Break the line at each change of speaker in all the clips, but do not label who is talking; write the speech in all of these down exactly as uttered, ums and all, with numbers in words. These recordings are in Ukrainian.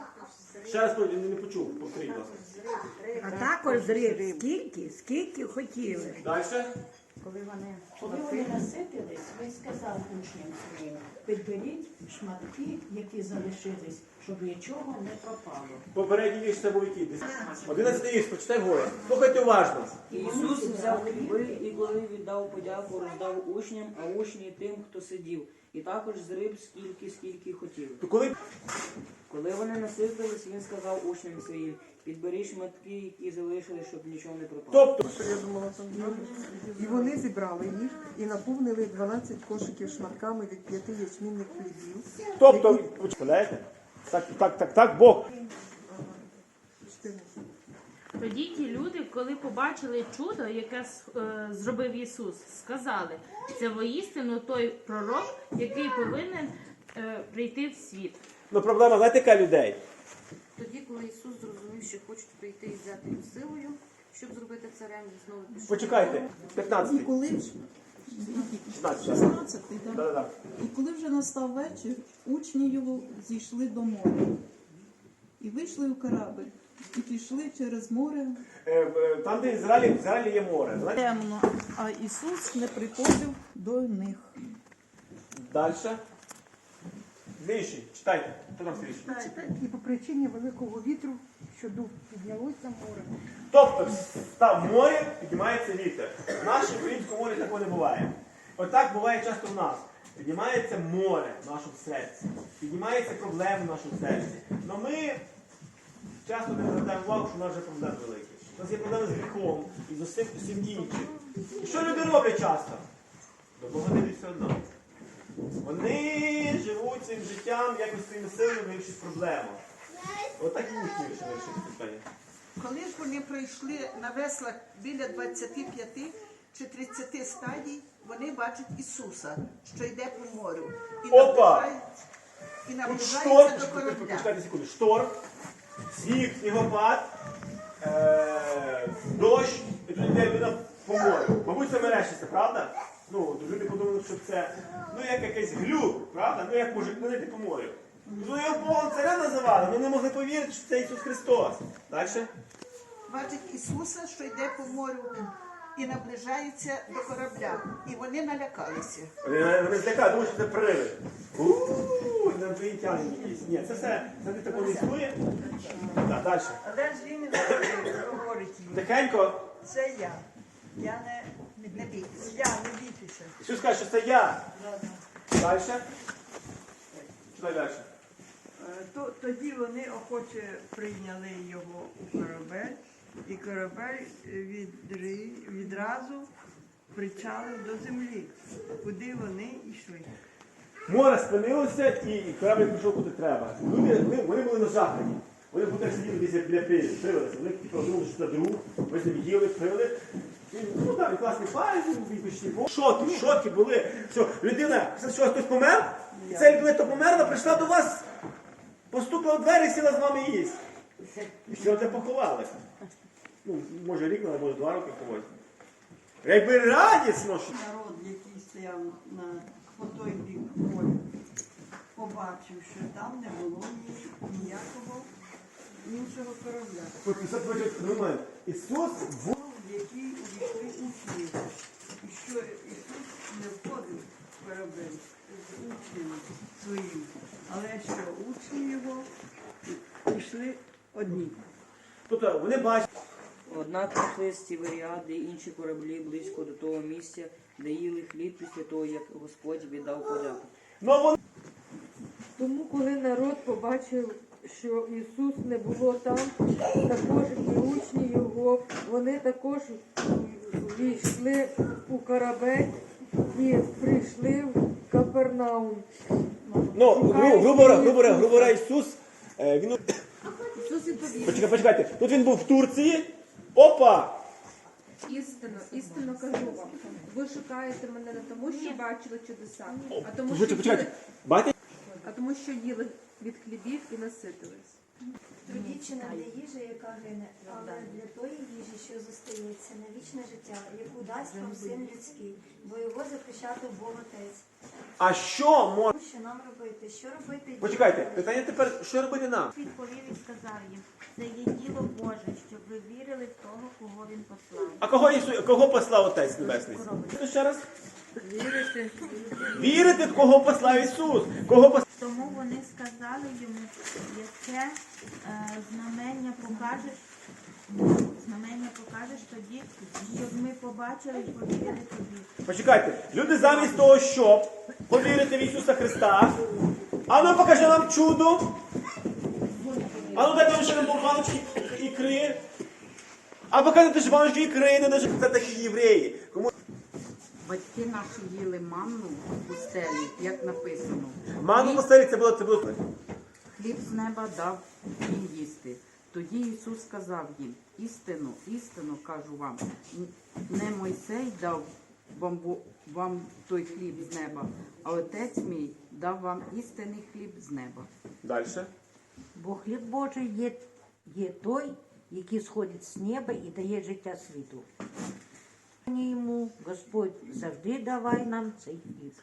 Ще раз не, не почув, повторіть, будь ласка.
А також зрив. Скільки? Скільки хотіли.
Далі.
Коли вони, коли вони наситились, він сказав учням своїм, підберіть шматки, які залишились, щоб нічого не пропало.
Попередній вірш це був який? Одинадцятий вірш, прочитай вгору. Слухайте уважно.
Ісус взяв хліби і коли віддав подяку, роздав учням, а учні тим, хто сидів. І також зриб скільки, скільки хотів.
То коли...
Коли вони наситились, він сказав учням своїм, підберіть шматки, які залишились, щоб нічого не пропало.
Тобто,
Я думала, там і вони зібрали їх і наповнили дванадцять кошиків шматками від п'яти ячмінних хлібів.
тобто, представляєте? Так, так, так, так, Бог.
Тоді ті люди, коли побачили чудо, яке е, зробив Ісус, сказали, це воістину той пророк, який повинен е, прийти в світ.
Ну, проблема, знаєте, яка людей?
Тоді, коли Ісус зрозумів, що хочуть прийти і взяти його силою, щоб зробити царем, він знову пішов.
Почекайте,
І
п'ятнадцятий.
коли ж
шістнадцятий.
шістнадцятий, так?
Да-да-да.
І коли вже настав вечір, учні його зійшли до моря. І вийшли у корабль, і пішли через море.
Е, е, Там, де Ізраїль, в Ізраїлі є море. Знаєте?
Темно, а Ісус не приходив до них.
Далі. Слідуючий, читайте. Хто там слідуючий?
І по причині великого вітру, що дух піднялося море.
Тобто, там море, піднімається вітер. В нашому українському морі такого не буває. Отак буває часто в нас. Піднімається море в нашому серці. Піднімаються проблеми в нашому серці. Але ми часто не звертаємо увагу, що в нас вже проблеми великі. У нас є проблеми з гріхом і з усім, усім іншим. І що люди роблять часто? До Бога не йдуть все одно. Вони живуть цим життям, якось своїми силами вирішують проблему. Отак і учні вирішили питання.
Коли ж вони пройшли на веслах біля двадцяти п'яти чи тридцяти стадій, вони бачать Ісуса, що йде по морю. І
Опа!
наближається, і
Тут
наближається
шторм,
до корабля.
почекайте секунду, шторм, сніг, снігопад, е- дощ, і тут йде людина по морю. Мабуть, це мерещиться, правда? Ну, люди подумали, що це, ну, як якийсь глюк, правда? Ну, як може ходити по морю. Ну, його Богом царя називали, але не могли повірити, що це Ісус Христос. Далі?
Бачать Ісуса, що йде по морю, і наближається до корабля. І вони налякалися.
Вони, вони злякали, думають, що це привид. Ууу, інопланетяни якісь. Ні, це все, це не такого не існує. Так, далі.
А де ж він говорить їм?
Тихенько.
Це я. Я не, не бійтеся. Я, не бійтеся.
Ісус каже, що це я. Далі. Читай далі.
То, тоді вони охоче прийняли його у корабель, і корабель відри, відразу причалив до землі, куди вони йшли.
Море спинилося і корабль пішов куди треба. Люди, вони, вони були нажахані. Вони будуть сиділи десь біля привода. Вони подумали, що це друг, ми з ним їли, пили. І, ну так, класний парень, він пішли. Шоки, шоки були. Що, людина, що хтось помер? І ця людина, хто померла, прийшла до вас, постукала в двері, сіла з вами їсть. І все це поховали. Ну, може рік, але може два роки когось. Якби радісно, що...
Народ, який стояв на, по той бік моря, побачив, що там не було ні, ніякого іншого корабля.
Це момент. Ісус в...
Які увійшли учні. І що Ісус не входив в корабель з учнями своїми, але що учні його пішли одні.
Тобто вони бачать.
Однак прийшли з Тіверіади і інші кораблі близько до того місця, де їли хліб після того, як Господь віддав подяку.
Но вони...
Тому, коли народ побачив, що Ісус не було там, також і учні його, вони також війшли у корабель і прийшли в Капернаум.
Ну, гру- грубо говоря, грубо говоря, грубо говоря, Ісус, е, він...
Ісус відповів:
Почекайте, почекайте, тут він був в Турції, опа!
істинно, істинно кажу вам, ви шукаєте мене не тому, що бачили чудеса, а тому, що
Почекайте, почекайте,
їли,
бачите?
а тому, що їли від хлібів і наситились.
Трудіться не для їжі, яка гине, але для тої їжі, що зостається на вічне життя, яку дасть вам Син людський, бо його захищати Бог Отець.
А що може...
Що нам робити? Що робити?
Почекайте, питання тепер, що робити нам?
Відповів і сказав їм, це є діло Боже, щоб ви вірили в того, кого він послав.
А кого, Ісу... кого послав Отець Небесний? Ну, ще раз.
Вірите?
Вірити, в кого послав Ісус. Кого послав...
Тому вони сказали йому, яке е, знамення покажеш, знамення покажеш тоді, щоб ми побачили і повірили тобі.
Почекайте, люди замість того, щоб повірити в Ісуса Христа, а ну покажи нам чудо. А ну дайте ще нам баночки ікри. А покажете ж баночки ікри, не даже це такі євреї. Кому...
Батьки наші їли манну в пустелі, як написано.
Манну в пустелі це було, це було.
Хліб з неба дав їм їсти. Тоді Ісус сказав їм, істину, істину кажу вам, не Мойсей дав вам, вам той хліб з неба, а Отець мій дав вам істинний хліб з неба.
Далі.
Бо хліб Божий є, є той, який сходить з неба і дає життя світу. Йому Господь завжди давай нам цей хліб.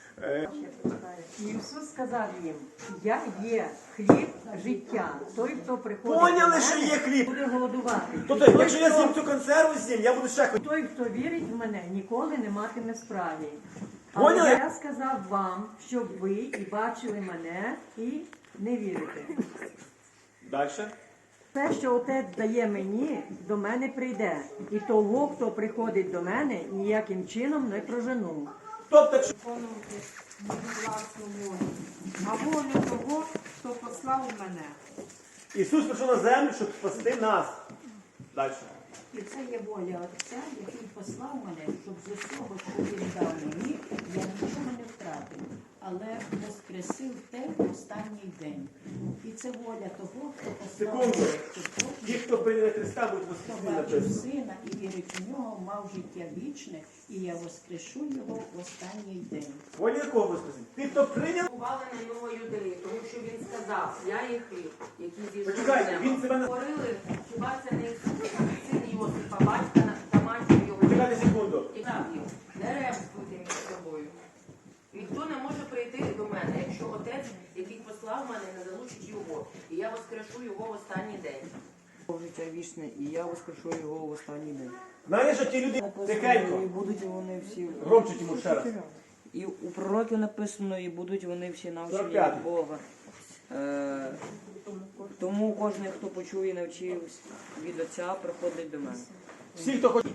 Ісус сказав їм, я є хліб життя. Той, хто приходить
Поняли,
до
що
мене,
є хліб?
буде голодувати.
Тобто,
Той,
якщо я
хто-
з'їм цю консерву з'їм, я буду ще хотіти.
Той, хто вірить в мене, ніколи не матиме справі.
Поняли?
Але я сказав вам, щоб ви і бачили мене, і не вірите.
Далі.
Те, що Отець дає мені, до мене прийде. І того, хто приходить до мене, ніяким чином не прожену.
Тобто, якщо...
Виконувати мою власну волю, а волю того, хто послав мене.
Ісус прийшов на землю, щоб спасти нас. Далі.
І це є воля Отця, який послав мене, щоб з усього, що він дав мені, я нічого не втратив, але воскресив те в останній день. І це воля того, хто послав
Секунду.
мене, щоб
Ті,
кожен,
хто прийняли Христа, будуть
хто
воскресені
бачив
написано.
сина і вірить у нього, мав життя вічне, і я воскрешу його в останній день.
Воля якого воскресіння? Ті, хто прийняв...
Ували на нього юдеї, тому що він сказав, я є хліб, який зійшов з
Почекайте,
неба.
він себе не...
Говорили, хіба це не Ісус, син Йосипа, батька та матір його.
Почекайте секунду.
І так, не ремствуйте між собою. Ніхто не може прийти до мене, якщо Отець, який послав мене, не залучить його, і я воскрешу його в останній день. Життя вічне, і я воскрешу його в останній день.
Знаєш, що ті люди тихенько.
І будуть вони всі...
Громче йому ще раз.
І у пророків написано, і будуть вони всі навчені
сорок п'ятий.
від Бога. Е, тому кожен, хто почує і навчився від Отця, приходить до мене.
Всі, хто хоче...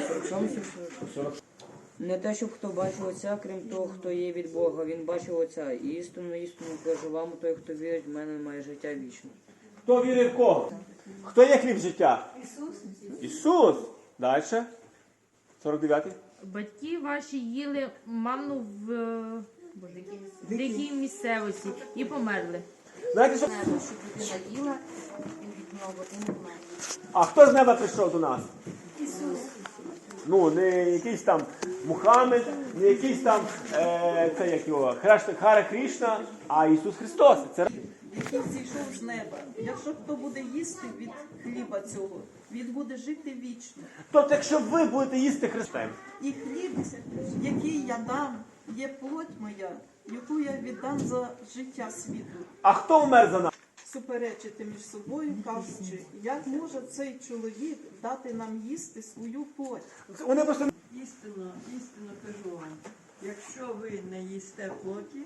Не те, щоб хто бачив Отця, крім того, хто є від Бога. Він бачив Отця. І істинно, істинно кажу вам, той, хто вірить в мене, має життя вічне.
Хто вірить в кого? Хто є хліб життя?
Ісус.
Ісус. Далі. сорок дев'ятий.
Батьки ваші їли манну в е, дикій місцевості і померли.
Знаєте, що...
Небо, щоб людина їла і від нього і не вмерла.
А хто з неба прийшов до нас?
Ісус.
Ну, не якийсь там Мухаммед, не якийсь там, е, це як його, Храшта- Хара Крішна, а Ісус Христос. Це...
Який зійшов з неба. Якщо хто буде їсти від хліба цього, він буде жити вічно.
Тобто, якщо ви будете їсти Христа,
І хліб, який я дам, є плоть моя, яку я віддам за життя світу.
а хто вмер за нас?
Суперечити між собою, кажучи, як може цей чоловік дати нам їсти свою плоть?
Вони просто...
Істинно, істинно кажу вам, якщо ви не їсте плоті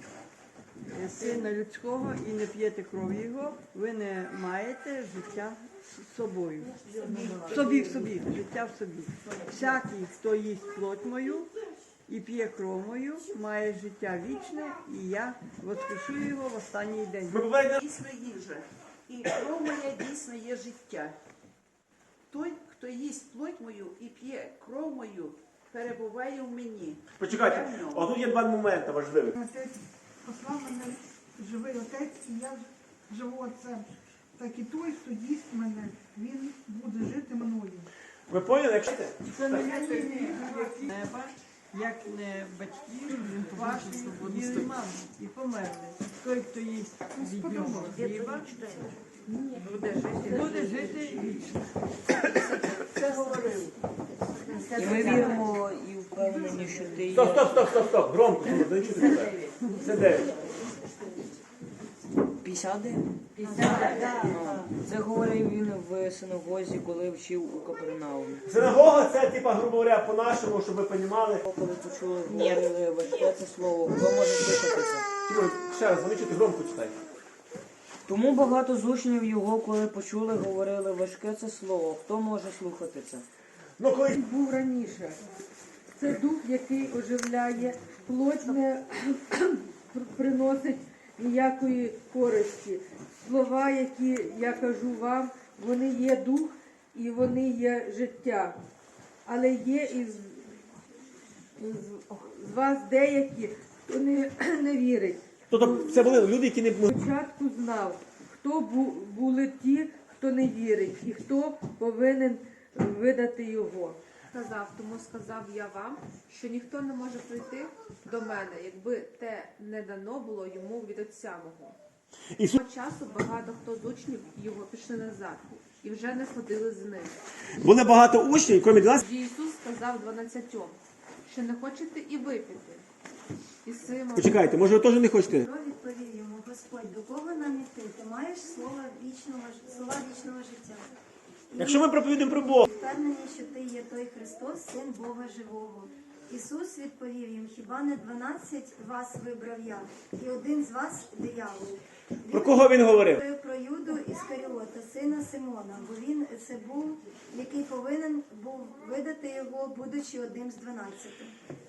е, сина людського і не п'єте кров його, ви не маєте життя з собою. В собі, в собі, життя в собі. Всякий, хто їсть плоть мою і п'є кров мою, має життя вічне, і я воскрешу його в останній день.
Ви буваєте...
Дійсно їжа. І кров моя дійсно є життя. Той, хто їсть плоть мою і п'є кров мою, перебуває в мені.
Почекайте, а тут є два моменти важливі.
Отець послав мене живий Отець, і я живу Отцем. Так і той, хто їсть мене, він буде жити мною.
Ви поняли, якщо...
Це не є неба, як не батьки ваші їли маму і померли. Той, хто їсть від нього хліба, буде жити, буде жити вічно. Це говорив.
І ми віримо і впевнені, що ти є.
Стоп, стоп, стоп, стоп, стоп. Громко, щоб не чути тебе. Це дев'ять.
п'ятдесят дев'ять? Ну, це говорив він в синагозі, коли вчив у Капернаумі.
Синагога це, типа, грубо говоря, по-нашому, щоб ви розуміли.
Коли почули, говорили важке це слово, хто може слухати це?
Тимон, ще раз, вони чути громко читай.
Тому багато з учнів його, коли почули, говорили важке це слово, хто може слухати це?
Ну, коли
був раніше. Це дух, який оживляє, плоть не приносить ніякої користі. Слова, які я кажу вам, вони є дух і вони є життя. Але є із з вас деякі, хто не, не вірить.
Тобто це були люди, які не...
Спочатку знав, хто бу- були ті, хто не вірить, і хто повинен видати його.
Сказав, тому сказав я вам, що ніхто не може прийти до мене, якби те не дано було йому від Отця мого.
Ісус...
Того часу багато хто з учнів його пішли назад і вже не ходили з ним.
Були багато учнів, крім дванадцяти.
Тоді Ісус сказав дванадцятьом, що не хочете і ви піти. І Симон...
Почекайте, може ви теж не хочете?
Петро відповів йому: Господь, до кого нам іти? Ти маєш слова вічного, ж- слова вічного життя. І
Якщо ми проповідуємо про Бога.
впевнені, що ти є той Христос, Син Бога Живого. Ісус відповів їм: хіба не дванадцять вас вибрав я, і один з вас диявол.
Про кого він говорив?
Говорив про Юду Іскаріота, сина Симона, бо він це був, який повинен був видати його, будучи одним з дванадцяти.